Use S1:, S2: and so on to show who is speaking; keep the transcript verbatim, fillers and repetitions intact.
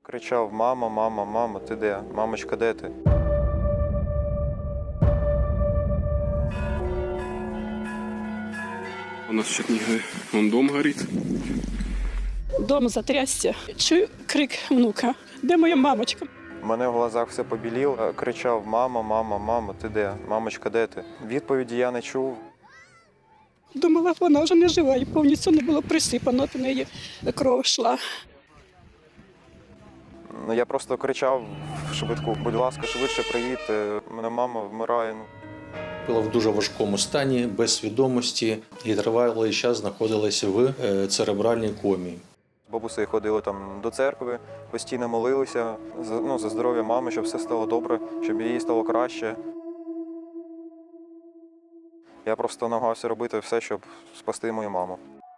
S1: Кричав: мама, мама, мама, ти де? Мамочка, де ти?
S2: У нас в Чернігові вон дом горить.
S3: Дом затрясся. Чую крик внука. Де моя мамочка?
S1: У мене в глазах все побіліло. Кричав: мама, мама, мама, ти де? Мамочка, де ти? Відповіді я не чув.
S3: Думала, вона вже не жива і повністю не було присипано, в неї кров йшла.
S1: Ну, я просто кричав швидку: будь ласка, швидше приїдьте, у мене мама вмирає. Ну.
S4: Була в дуже важкому стані, без свідомості і тривалий час знаходилася в е, церебральній комі.
S1: З бабусею ходили там до церкви, постійно молилися за, ну, за здоров'я мами, щоб все стало добре, щоб їй стало краще. Я просто намагався робити все, щоб спасти мою маму.